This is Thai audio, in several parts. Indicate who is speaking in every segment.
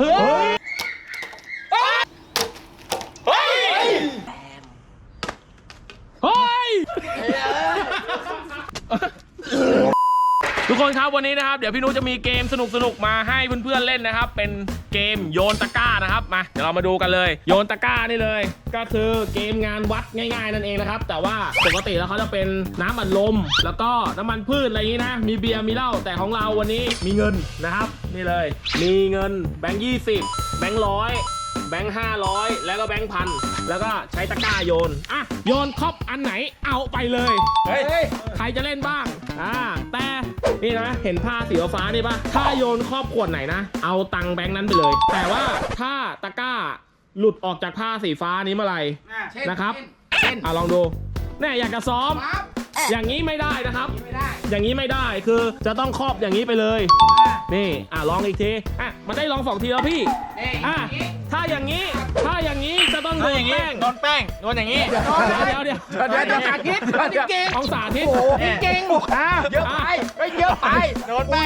Speaker 1: เฮ้ยเฮ้ยทุกคนครับวันนี้นะครับเดี๋ยวพี่นุจะมีเกมสนุกมาให้เพื่อนๆเล่นนะครับเป็นเกมโยนตะกร้านะครับมาเดี๋ยวเรามาดูกันเลยโยนตะกร้านี่เลยก็คือเกมงานวัดง่ายๆนั่นเองนะครับแต่ว่าปกติแล้วเขาจะเป็นน้ำอัดลมแล้วก็น้ำมันพืชอะไรอย่างนี้นะมีเบียร์มีเหล้าแต่ของเราวันนี้มีเงินนะครับนี่เลยมีเงินแบงค์20แบงค์100แบงค์500แล้วก็แบงค์พันแล้วก็ใช้ตะกร้าโยนอ่ะโยนครบอันไหนเอาไปเลยเฮ้ยใครจะเล่นบ้างแต่นี่นะเห็นผ้าสีฟ้านี่ปะถ้าโยนครอบขวดไหนนะเอาตังค์แบงค์นั้นไปเลยแต่ว่าถ้าตะกร้าหลุดออกจากผ้าสีฟ้านี้เมื่อไหร่นะครับลองดูเนี่ยอยากจะซ้อมอย่างนี้ไม่ได้นะครับอย่างนี้ไม่ได้คือจะต้องครอบอย่างนี้ไปเลยนี่ลองอีกทีมันได้ลอง2 ทีแล้วพี่ถ้าอย่างนี้จะต้องโดนแป้งโดนอย่างนี้เดี๋ยวสาธิตของสาธิตเก่งเยอะไปโดนแป้ง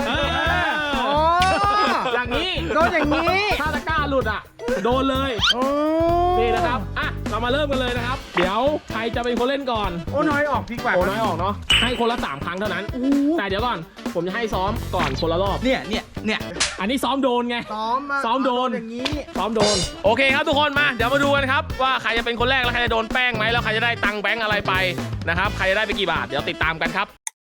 Speaker 1: อย่างนี้โดนอย่างนี้ถ้าตะกร้าหลุดโดนเลยนี่นะครับเรามาเริ่มกันเลยนะครับเดี๋ยวใครจะเป็นคนเล่นก่อน
Speaker 2: โอ้น้อยออกดีกว่า
Speaker 1: โอ้น้อยออกเนาะให้คนละ3 ครั้งเท่านั้นแต่เดี๋ยวก่อนผมจะให้ซ้อมก่อนคนละรอบ
Speaker 2: เนี่ย
Speaker 1: อันนี้ซ้อมโดนไงซ้อมโดน
Speaker 2: อย่างนี้
Speaker 1: ซ้อมโดนโอเคครับทุกคนมาเดี๋ยวมาดูกันครับว่าใครจะเป็นคนแรกแล้วใครจะโดนแป้งไหมแล้วใครจะได้ตังค์แบงค์อะไรไปนะครับใครจะได้ไปกี่บาทเดี๋ยวติดตามกันครับ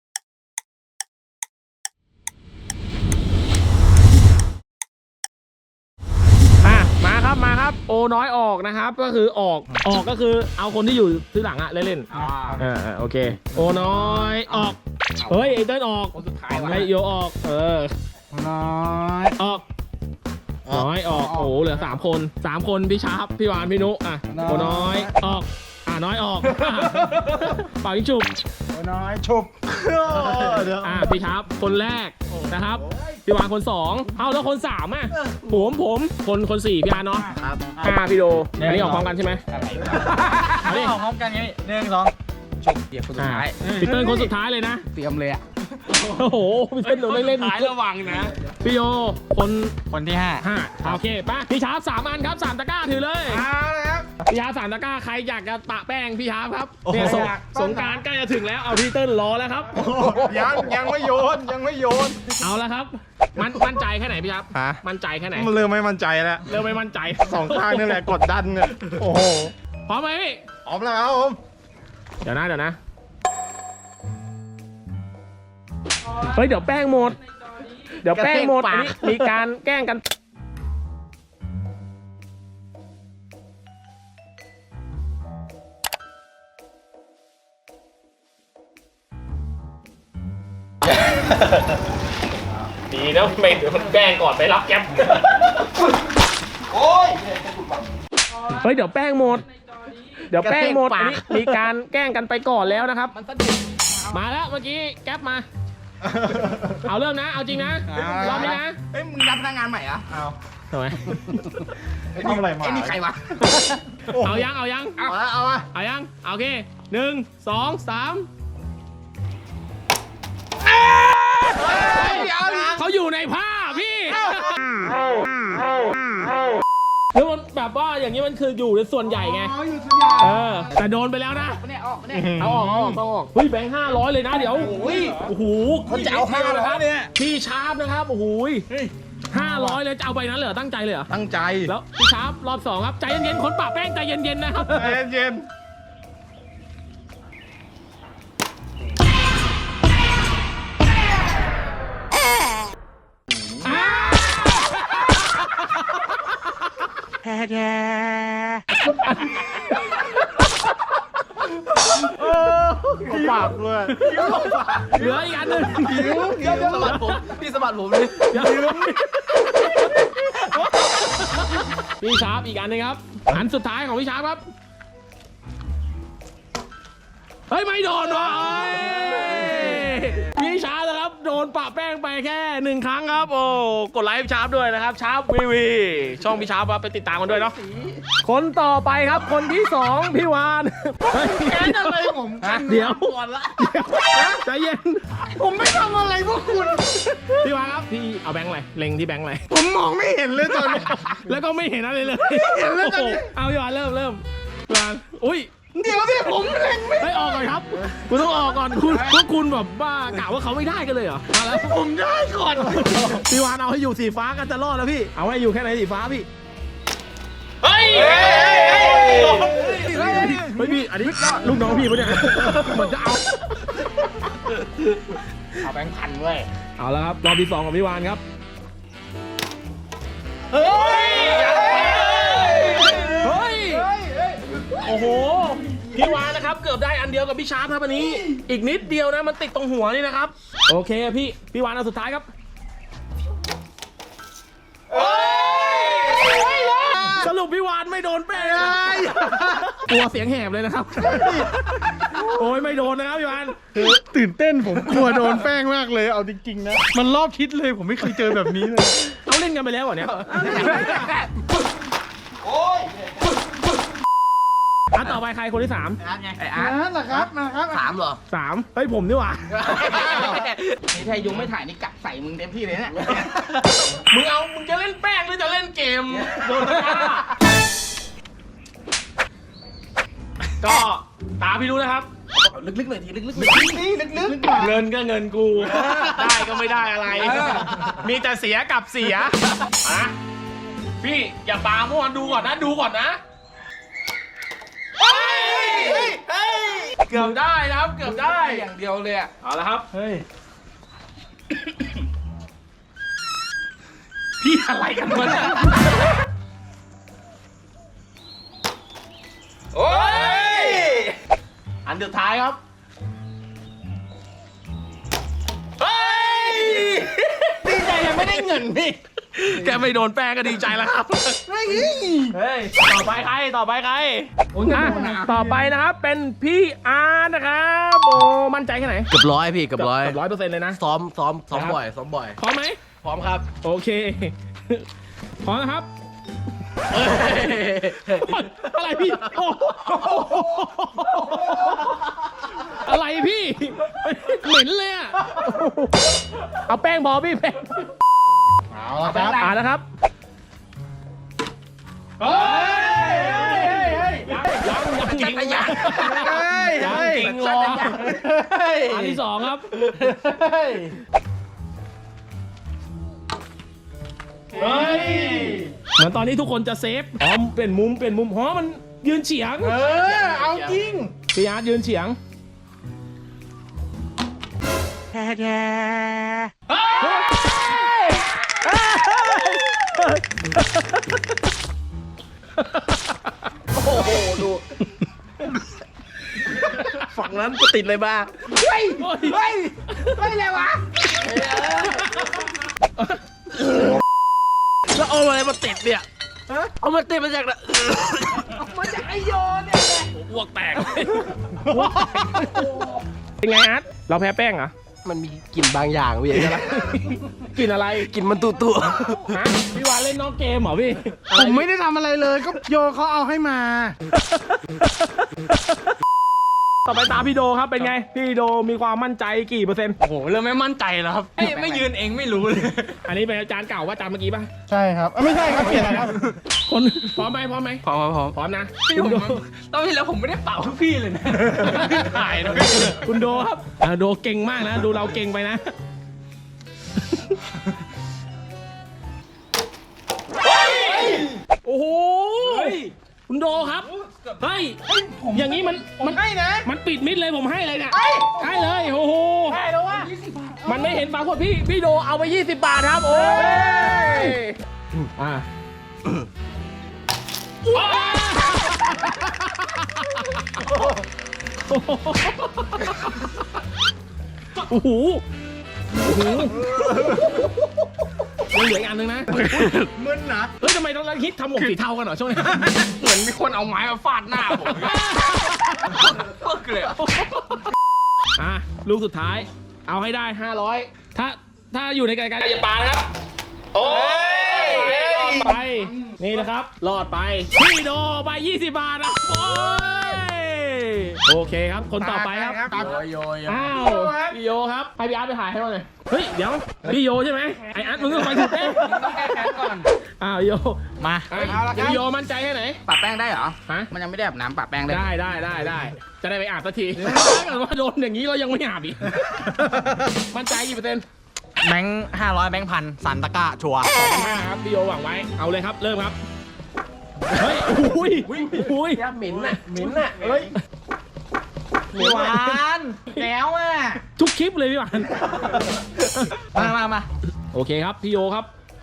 Speaker 1: มาครับโอน้อยออกนะครับก็คือออกก็คือเอาคนที่อยู่ที่หลังเล่นโอเคโอน้อยออกเฮ้ยไอเติ้ลออกคนสุดท้ายไอโยออก
Speaker 2: น้อย
Speaker 1: ออกโอ้โหเหลือ3 คนพี่ชาร์ปพี่หวานพี่นุโอน้อยออกน้อยออกเป่ายิงฉุบ
Speaker 2: โอน้อยฉุบ
Speaker 1: พี่ชาร์ปคนแรกนะครับพี่วานคน2แล้วคน3ผมคน4พี่อาร์เนาะ5พี่โดอันนี้ออกพร้อมกันใช่ไหม
Speaker 2: อันนี้ออกพร้อมกันไง1 2ฉุบเดี๋ยวคนสุดท้าย
Speaker 1: พี่เติ้ลคนสุดท้ายเลยนะ
Speaker 2: เตรียมเลย
Speaker 1: โอ้โหพี่เติ้ลโดนเล่นท้ายระวังนะพี่โย
Speaker 2: คนที่5
Speaker 1: โอเคป่ะพี่ชาร์ป3 อันครับ3 ตะกร้าถือเลย
Speaker 2: ครับ
Speaker 1: พี่ชาร์ป3 ตะกร้าใครอยากจะปะแป้งพี่ชาร์ปครับเนี่ยสงกรานต์ใกล้จะถึงแล้วเอาพี่เติ้ลรอแล้วครับ
Speaker 2: ยังไม่โยน
Speaker 1: เอาแล้วครับมั่นใจแค่ไหนพี่ครับมั่นใจแค่ไหน
Speaker 2: มันเริ่มไม่มั่นใจแล้ว
Speaker 1: เริ่มไม่มั่นใจ
Speaker 2: 2 ข้างนี่แหละกดดันเนี่ยโอ้โห
Speaker 1: พร้อมไหมพี่
Speaker 2: พร้อมแล้วครับผม
Speaker 1: เดี๋ยวนะเฮ้ยเดี๋ยวแป้งหมดอันนี้มีการแกล้งกันดีนะไม่เดี๋ยวมันแกล้งก่อนไปรับแก๊ปเฮ้ยเดี๋ยวแป้งหมดอันนี้มีการแกล้งกันไปก่อนแล้วนะครับมาแล้วเมื่อกี้แก๊ปมาเอาเริ่มนะเอาจริงนะรอบนี้นะ
Speaker 2: มึงรับพนักงานใหม่เหรอ
Speaker 1: ทำไม
Speaker 2: ทำอะไรมา
Speaker 1: นี่ใครวะเอายังเอายังโอเค1 2 3เขาอยู่ในผ้าพี่แล้วมันแบบว่าอย่างนี้มันคืออยู่ในส่วนใหญ่ไงแต่โดนไปแล้วนะเอาออกต้องออกเฮ้ยแบงค์500เลยนะเดี๋ยวโอ้โห
Speaker 2: เขาจะเอา500เนี่ย
Speaker 1: พี่ชาร์ปนะครับโอ้โห500เลยจะเอาไปนั้นเลยตั้งใจเลยเหรอ
Speaker 2: ตั้งใจ
Speaker 1: แล้วพี่ชาร์ปรอบ2ครับใจเย็นๆคนปะแป้งใจเย็นๆนะครับ
Speaker 2: ใจเย็นปากเลย
Speaker 1: เหลืออีกอันหนึ่ง
Speaker 2: สะบัดผมพี่สะบัดผมเลย
Speaker 1: พี่ชาร์ปอีกอันนึงครับอันสุดท้ายของพี่ชาร์ปครับเฮ้ยไม่โดนว่ะพี่ชาร์ปนะครับโดนปะแป้งไปแค่1ครั้งครับโอ้กดไลค์ให้ชาร์ปด้วยนะครับชาร์ปวีช่องพี่ชาร์ปไปติดตามกันด้วยเนาะคนต่อไปครับคนที่2พี่วานแค่อะไรผมเดี๋ยวก่อนละใจเย็นผมไม่ทำอะไรพวกคุณพี่วานครับพี่เอาแบงค์อะไรเล็งที่แบงค์อะไรผมมองไม่เห็นเลยตอนนี้แล้วก็ไม่เห็นอะไรเลยเห็นแล้วตอนนี้เอาพี่วานเริ่มวานอุ้ยเดี๋ยวพี่ผมเล็งไม่ออกก่อนครับคุณต้องออกก่อนคุณพวกคุณแบบบ้ากะว่าเขาไม่ได้กันเลยเหรอมาแล้วผมได้ก่อนพี่วานเอาให้อยู่สีฟ้ากันจะรอดแล้วพี่เอาให้อยู่แค่ไหนสีฟ้าพี่เฮ้ยพี่อันนี้ลูกน้องพี่ปะเนี่ยเหมือนจะเอา
Speaker 2: แบงค์พันเว้ย
Speaker 1: เอาแล้วครับรอบที่2ของพี่วานครับเฮ้ยโอ้โหพี่วานนะครับเกือบได้อันเดียวกับพี่ชาร์ปครับอันนี้อีกนิดเดียวนะมันติดตรงหัวนี่นะครับโอเคพี่วานเอาสุดท้ายครับสรุปพี่วานไม่โดนแป้งเลยกลัวเสียงแหบเลยนะครับโอ้ยไม่โดนนะครับพี่วาน
Speaker 3: ตื่นเต้นผมกลัวโดนแป้งมากเลยเอาจริงๆนะมันรอบทิศเลยผมไม่เคยเจอแบบนี้เลย
Speaker 1: เอาเล่นกันไปแล้วเหรอเนี่ยต่อไปใครคนที่3
Speaker 2: ไอ้อาร์ตเหรอครับมาครับ3เหรอ
Speaker 1: 3เฮ้ยผมนี่หว่า
Speaker 2: นี่ถ้ายุงไม่ถ่ายนี่กัดใส่มึงเต็มที่เลยเนี่ย
Speaker 1: มึงจะเล่นแป้งหรือจะเล่นเกมโดนก็ตาพี่รู้นะครับ
Speaker 2: ลึกๆหน่อยทีลึกๆ
Speaker 1: เงินก็เงินกูได้ก็ไม่ได้อะไรมีแต่เสียกับเสียนะพี่อย่าปาเมื่อวานดูก่อนนะเกือบได้นะครับเกือบได้
Speaker 2: อย่างเดียวเลยอ่ะ
Speaker 1: เอาละครับเฮ้ยพี่อะไรกันวะเนี่ยโอ้ยอันสุดท้ายครับเฮ้ยดีใจยังไม่ได้เงินพี่แกไม่โดนแป้งก็ดีใจแล้วครับเฮ้ยต่อไปใครต่อไปนะครับเป็นพี่อาร์นะครับโอ้มั่นใจแค่ไหน
Speaker 2: เกือบร้อยพี่เกือบร้อย
Speaker 1: 100%เลยนะ
Speaker 2: ซ้อมบ่อยพ
Speaker 1: ร้อมไหม
Speaker 2: พร้อมครับ
Speaker 1: โอเคพร้อมนะครับอะไรพี่อะไรพี่เหม็นเลยอ่ะเอาแป้งบอพี่แป้ง
Speaker 3: เอาละครับ
Speaker 1: นะครับเฮ้ยยังจริงรออันที่2ครับเฮ้ยเหมือนตอนนี้ทุกคนจะเซฟเป็นมุมมันยืนเฉียง
Speaker 3: เอาจริง
Speaker 1: พี่อาร์ตยืนเฉียง
Speaker 2: โอ้โหดูฝั่งนั้นก็ติดเลยบ้าเฮ้ยอะไรวะแล้วเอาอะไรมาติดเนี่ยเอามาติดมาจากไหนมาจากไอโยนเนี่ย
Speaker 1: อ้วกแตกเป็นไงอาร์ตเราแพ้แป้งเหรอ
Speaker 2: มันมีกลิ่นบางอย่างพี่ใช่ไหม
Speaker 1: กลิ่นอะไร
Speaker 2: กลิ่นมันตุ
Speaker 1: พี่วานเล่นนอกเกมเหรอพี่
Speaker 3: ผมไม่ได้ทำอะไรเลยก็โยเขาเอาให้มา
Speaker 1: ต่อไปตาพี่โดครับเป็นไงพี่โดมีความมั่นใจกี่เปอร์เซ็นต์
Speaker 2: โอ้โหเริ่มไม่มั่นใจแล้วครับไม่ยืนเองไม่รู้เลย
Speaker 1: อันนี้เป็นอาจารย์เก่าว่าอาจารย์เมื่อกี้ป่ะ
Speaker 3: ใช่ครับไม่ใช่ครับเปลี่ยนครับ
Speaker 1: คนพร้อมไหมพร้อมนะ
Speaker 2: พี่โดตอนที่แล้วผมไม่ได้เป่าทุกพี่เลยนะ
Speaker 1: ถ่ายนะคุณโดครับโดเก่งมากนะดูเราเก่งไปนะโอ้โหคุณโดครับเฮ้ยอย่างนี้มัน
Speaker 3: ให้นะ
Speaker 1: มันปิดมิดเลยผมให้เลยเนี่ยให้เลยโอ้โห
Speaker 3: ให้แล้ววะ
Speaker 1: มันไม่เห็นฝาขวดพี่โดเอาไป20 บาทครับโอ้ยโอ้โหยังเหลืออีกอันนึงนะ
Speaker 3: มึนนะ
Speaker 1: เฮ้ยทำไมต้องคิดทำหมวกสีเทากันเหรอช่วงนี้
Speaker 2: เหมือนมีคนเอาไม้มาฟาดหน้าผมปึ๊กเลย
Speaker 1: ลูกสุดท้ายเอาให้ได้500ถ้าถ้าอยู่ในไกลๆอย่าปานะครับโอ้ยรอดไปนี่นะครับรอดไปพี่โดไป20 บาทนะโอ้ยโอเคครับคนต่อไปครับ
Speaker 2: โย
Speaker 1: อ้าวพี่โยครับให้พี่อาร์ตไปถ่ายให้เราหน่อยเฮ้ยเดี๋ยวพี่โยใช่ไหมไออาร์ตมึงต้องไปถูกแป้ง
Speaker 2: ต้องแก้แค้นก่อน
Speaker 1: อ้าวโย
Speaker 2: มา
Speaker 1: พี่โยมั่นใจแค่ไหน
Speaker 2: ปะแป้งได้เหรอ
Speaker 1: ฮะ
Speaker 2: มันยังไม่ได้อาบน้ำปะแป้งได้
Speaker 1: ได้จะได้ไปอาบสักทีถ้าเกิดว่าโดนอย่างนี้เรายังไม่อาบอีกมั่นใจกี่เปอร์เซ็นต์
Speaker 2: แบงค์500แบงค์พันสันตะก้าชัวร์
Speaker 1: 2,500ครับพี่โยหวังไว้เอาเลยครับเริ่มครับเฮ้ยอุ้ยเหม็นน่ะเฮ้ย
Speaker 2: หวานแล้วอ่ะ
Speaker 1: ทุกคลิปเลยพี่หวาน
Speaker 2: มา
Speaker 1: โอเคครับพี่โยครับ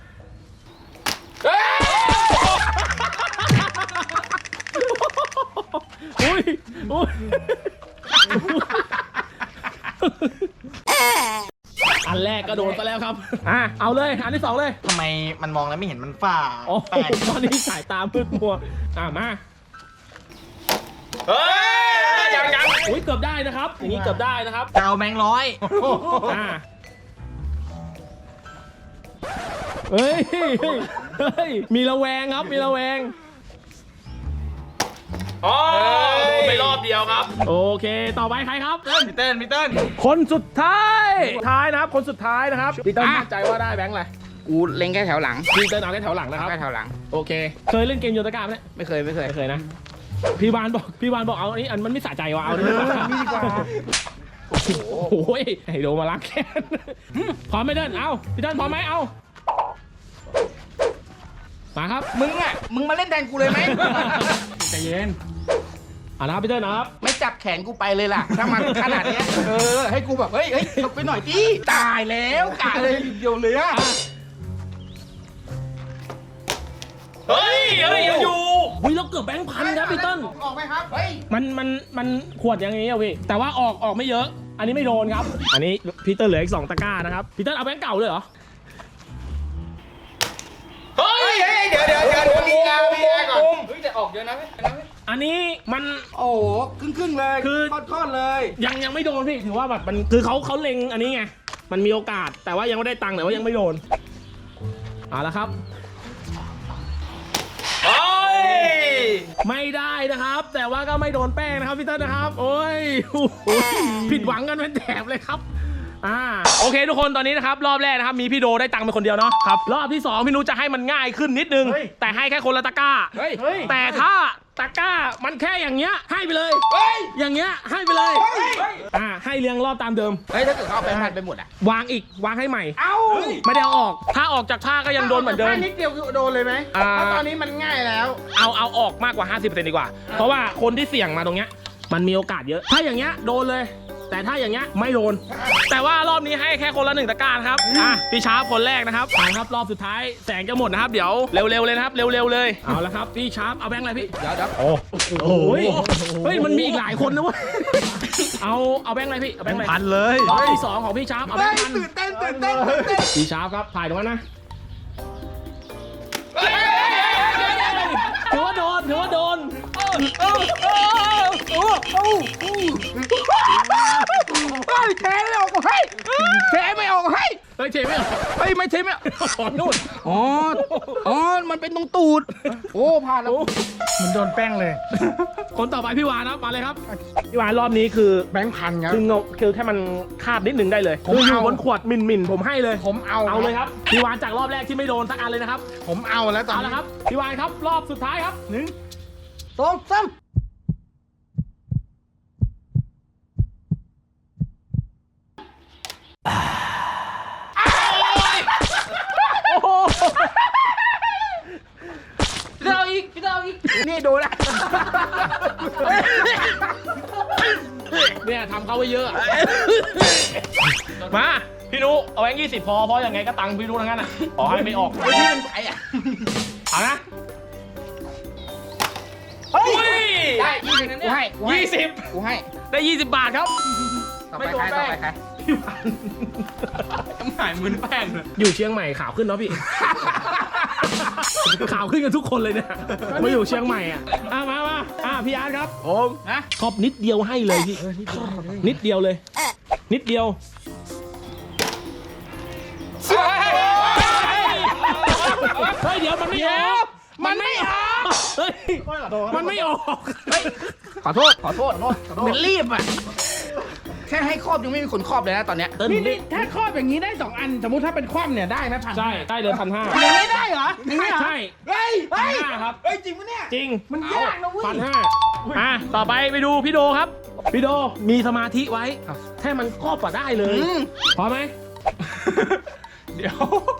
Speaker 1: อุ้ยอันแรกก็โดนไปแล้วครับเอาเลยอันที่ 2เลย
Speaker 2: ทำไมมันมองแล้วไม่เห็นมันฝ้า
Speaker 1: โอ้ตอนนี้สายตามืดมัวมาเฮ้ยยังอุ้ยเกือบได้นะครับอย่างนี้เกือบได้นะครับ
Speaker 2: จะเอาแบงค์ร้อย
Speaker 1: เฮ้ยมีระแวงครับมีระแวงไปรอบเดียวครับโอเคต่อไปใครครับ
Speaker 2: พี่เติ้ล
Speaker 1: คนสุดท้ายนะครับคนสุดท้ายนะครับพี่เติ้ลมั่นใจว่าได้แบงค์อะไร
Speaker 2: กูเล็งแค่แถวหลัง
Speaker 1: พี่เติ้ลเอาแค่แถวหลังนะครับ
Speaker 2: แค่แถวหลัง
Speaker 1: โอเคเคยเล่นเกมโยนตะกร้าไหม
Speaker 2: ไม่เคย
Speaker 1: ไม่เคยนะพี่วานบอกเอาอันนี้มันไม่สะใจว่ะเอานี่ดีกว่าโอ้โหให้โดมาล้างแค้นพร้อมไหมเติ้ลเอาพี่เติ้ลพร้อมไหมเอามาครับ
Speaker 2: มึงมาเล่นแทนกูเลยไหม
Speaker 1: ใจเย็นนะครับพี่เติ้ลนะครับ
Speaker 2: ไม่จับแขนกูไปเลยล่ะถ้ามันขนาดนี้ให้กูแบบเฮ้ยลงไปหน่อยดิตายแล้วกะเลยเดียวเลยอะ
Speaker 1: เฮ้ยยังอยู่เราเกือบแบงค์พันครับพี่เติ้ล
Speaker 2: ออกไหมครับเฮ้ย
Speaker 1: มันขวดอย่างนี้อ่ะพี่แต่ว่าออกไม่เยอะอันนี้ไม่โดนครับอันนี้พี่เติ้ลเหลืออีก2 ตะกร้านะครับพี่เติ้ลเอาแบงค์เก่าเลยเหรอเฮ้ย
Speaker 2: เดี๋ยวมีแอร์ก่อนเฮ้ยแต่ออกเยอะนะ
Speaker 1: อันนี้มัน
Speaker 2: โอ้ครึ่งเลย
Speaker 1: คือ
Speaker 2: ทอดเลย
Speaker 1: ยังไม่โดนพี่ถือว่าแบบมันคือเขาเล็งอันนี้ไงมันมีโอกาสแต่ว่ายังไม่ได้ตังค์แต่ว่ายังไม่โดนเอาละครับไม่ได้นะครับแต่ว่าก็ไม่โดนแป้งนะครับพี่เติ้ลนะครับโอ้ยผิดหวังกันเป็นแถบเลยครับโอเคทุกคนตอนนี้นะครับรอบแรกนะครับมีพี่โดได้ตังค์เป็นคนเดียวเนาะครับรอบที่2พี่นุจะให้มันง่ายขึ้นนิดนึงแต่ให้แค่คนละตะกร้าแต่ถ้าตะกร้ามันแค่อย่างเงี้ยให้ไปเลยอย่างเงี้ยให้ไปเลยให้เรียงรอบตามเดิม
Speaker 2: ถ้าเกิดเขาเอาแบงค์พันไปหมด
Speaker 1: วางให้ใหม่ไม่ได้เอาออกถ้าออกจากผ้าก็ยังโดนเหมือนเดิม
Speaker 2: นิดเดียวโดนเลยไหมเพราะตอนนี้มันง่ายแล้ว
Speaker 1: เอาออกมากกว่า 50% ดีกว่าเพราะว่าคนที่เสี่ยงมาตรงเนี้ยมันมีโอกาสเยอะถ้าอย่างเงี้ยโดนเลยแต่ถ้าอย่างเงี้ยไม่โดนแต่ว่ารอบนี้ให้แค่คนละ1 ตะกร้าครับพี่ชาร์ปคนแรกนะครับครับรอบสุดท้ายแสงจะหมดนะครับเดี๋ยวเร็วๆเลยนะครับเร็วๆเลยเอาละครับพี่ชาร์ปเอาแบงค์อะไรพี่
Speaker 2: เดี๋ยว
Speaker 1: โอ้โหเฮ้ยมันมีอีกหลายคนนะเว้ยเอาแบงค์อะไรพี่เอาแบงค์อะไร
Speaker 3: พันเลย
Speaker 1: รอบที่2ของพี่ชาร์ปเอาแบงค์พัน
Speaker 2: ตื่นเต้น
Speaker 1: พี่ชาร์ปครับถ่ายตรงนั้นนะถือว่าโดน
Speaker 2: เทไม่ออกให้เทไม่ออกให้
Speaker 1: ไม่เทไม่ออก
Speaker 2: ไม่เทไม่ออก
Speaker 1: นู่น
Speaker 2: มันเป็นตรงตูดผ่านแล้ว
Speaker 3: มันโดนแป้งเลย
Speaker 1: คนต่อไปพี่วานครับมาเลยครับพี่วานรอบนี้คือ
Speaker 3: แบงค์พันครับ
Speaker 1: คือแค่มันคาดนิดนึงได้เลยคืออยู่บนขวดมินผมให้เลย
Speaker 3: ผมเอา
Speaker 1: เลยครับพี่วานจากรอบแรกที่ไม่โดนสักอันเลยนะครับ
Speaker 3: ผมเอาแล้วตอนนี้
Speaker 1: ครับพี่วานครับรอบสุดท้ายครับ
Speaker 2: 1 2 3พี่เต้าอีกนี่โดนละ
Speaker 1: เนี่ยทำเขาไว้เยอะมาพี่นุเอาแบงค์20พอเพราะยังไงก็ตังค์พี่นุทั้งนั้นอ่ะขอให้ไม่ออก
Speaker 2: พี่เป็นใครอ่ะ
Speaker 1: เอานะ
Speaker 2: ได้20กูให้
Speaker 1: 20ได้20 บาทครับ
Speaker 2: ไม่โดนแป้ง
Speaker 1: พี่วานหายมึนแป้งอยู่เชียงใหม่ข่าวขึ้นเนาะพี่ข่าวขึ้นกันทุกคนเลยเนี่ยมาอยู่เชียงใหม่มาพี่อาร์ตครับ
Speaker 2: ผม
Speaker 1: ขอบนิดเดียวให้เลยพี่นิดเดียวเลยนิดเดียวเฮ้ยมันไม่ออก
Speaker 2: ขอโทษเหมือนรีบอ่ะแค่ให้ครอบยังไม่มีคนครอบเลยนะตอนเนี้ย
Speaker 3: นี่ถ้าครอบอย่างนี้ได้2 อันสมมุติถ้าเป็นคว่ำเนี่ยได้ไหมพัน
Speaker 1: ใช่ได้เลย1,500
Speaker 3: อย่างนี้ได้เหรออย่างนี้เหรอ
Speaker 1: ใช่
Speaker 2: เฮ้ย
Speaker 1: 1,500ครับ
Speaker 2: เฮ้ยจริงปะเนี่ย
Speaker 1: จริง
Speaker 3: มันยากนะเว้ย
Speaker 1: 1,500ต่อไปไปดูพี่โดครับ พี่โดมีสมาธิไว้แค่มันครอบก็ได้เลยพอไหม เดี๋ยว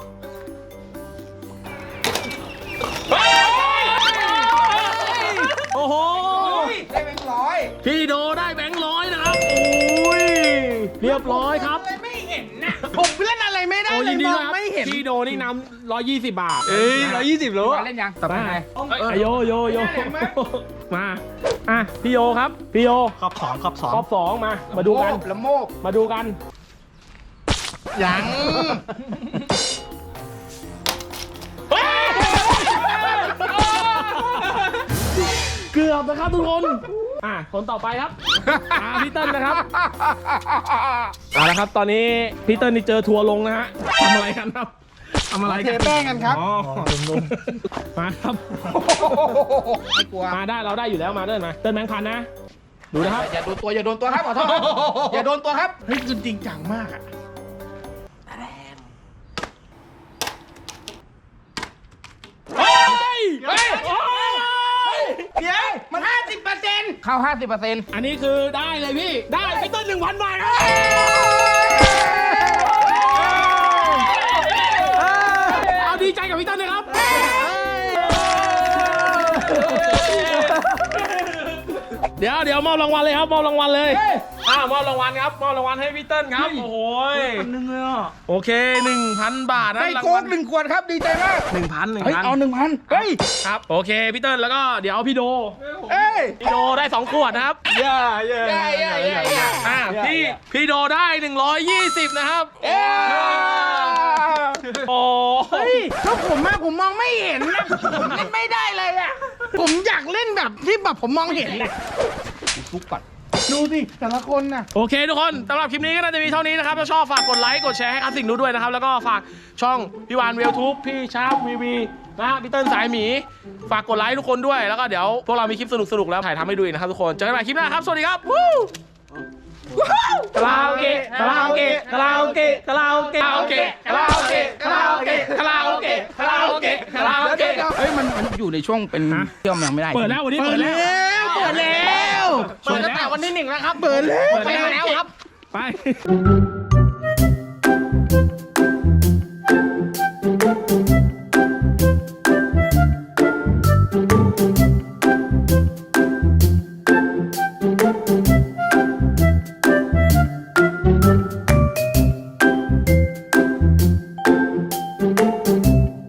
Speaker 1: โอ้โห
Speaker 2: ได้เป็นร้อย
Speaker 1: พี่โดได้แบงค์100นะครับโอ้ยเรียบร้อยครับ
Speaker 3: ไม่เห็นนะผมเล่นอะไรไม่ได้
Speaker 1: โอ้
Speaker 3: เลย
Speaker 1: ยินดี
Speaker 3: ม
Speaker 1: ด้วย
Speaker 3: อง
Speaker 1: ครับ
Speaker 3: ไม่เห็น
Speaker 1: พี่โดนี่นำ120 บาท
Speaker 3: 120โล
Speaker 2: มาเล่นยังต่อไปไง
Speaker 1: โยมาอ่ะพี่โยครับพี่โย
Speaker 3: ขอบ2ขอบ
Speaker 1: รอบ2มาดูกัน
Speaker 2: ละโมก
Speaker 1: มาดูกัน
Speaker 2: ยัง
Speaker 1: เกือบนะครับทุกคนคนต่อไปครับพี่เติ้ลนะครับเอาละครับตอนนี้พี่เติ้ลนี่เจอทัวร์ลงนะฮะทำอะไรกันครับทำอะไร
Speaker 3: เทแป้งกันครับ
Speaker 1: อ๋อมาครับ
Speaker 2: ไม่กลัว
Speaker 1: มาได้เราได้อยู่แล้วมาเติ้ลแบงค์พันนะดูนะครับ
Speaker 2: อย่าโดนตัวครับขอโทษอย่าโดนตัวครับ
Speaker 3: เฮ้ยจริงจังมากอะ
Speaker 1: เฮ้ย
Speaker 3: เดี๋ยวมัน50%
Speaker 2: เข้า 50%
Speaker 1: อันนี้คือได้เลยพี่ได้พี่เติ้ล1,000 บาทครับเอาดีใจกับพี่เติ้ลเลยครับ เดี๋ยวมอบรางวัลเลยครับมอบรางวัลเลยมอบรางวัลครับมอบรางวัลให้พี่เติ้ลครับโอ้โห
Speaker 3: นึงเลยอ่ะ
Speaker 1: โอเค 1,000 บาทนะ
Speaker 2: ได้
Speaker 1: ราง
Speaker 2: โค้
Speaker 1: วั
Speaker 2: ก
Speaker 1: ล
Speaker 2: 1 ขวดครับดีใจมาก
Speaker 1: 1,000
Speaker 2: เฮ้ยเอา 1,000เฮ้ย
Speaker 1: ครับโอเคพี่เติ้ลแล้วก็เดี๋ยวพี่โด
Speaker 2: เอ้ย
Speaker 1: พี่โดได้2 ขวดนะครับ
Speaker 3: ย่า
Speaker 1: พี่โดได้120นะครับ
Speaker 2: เอ้ย
Speaker 1: โอ้
Speaker 3: เฮ้ยก็ผมมองไม่เห็นนะผมเล่นไม่ได้เลยอ่ะผมอยากเล่นแบบที่แบบผมมองเห็นนะ
Speaker 2: ทุกก่อน
Speaker 3: ดูสิแต่ละคนน่ะ
Speaker 1: โอเคทุกคนสำหรับคลิปนี้ก็น่าจะมีเท่านี้นะครับถ้าชอบฝากกดไลค์กดแชร์ให้คลาสสิกนูด้วยนะครับแล้วก็ฝากช่องพี่วานเวลทูบพี่ชาร์ปวีนะฮะพี่เติ้ลสายหมีฝากกดไลค์ทุกคนด้วยแล้วก็เดี๋ยวพวกเรามีคลิปสนุกๆแล้วถ่ายทำให้ดูอีกนะครับทุกคนเจอกันใหม่คลิปหน้าครับสวัสดีครับวู้คาราโอเกะคาราโอเกะคาราโอเกะคาราโอเกะคาราโอเกะคาราโอเกะคาราโอเกะคาราโอเกะคาราโอเกะคาราโอเกะ
Speaker 2: เฮ้ยมันอยู่ในช่วงเป็นเชื่อมยังไม่ได้
Speaker 1: เปิดแล้ววันนี้เปิดแล้ว
Speaker 3: เปิดแล้ว
Speaker 1: เปิดตั้งแต่วันที่1แล้วครับ
Speaker 3: เปิดแล้ว
Speaker 1: เปิดแล้วครับไป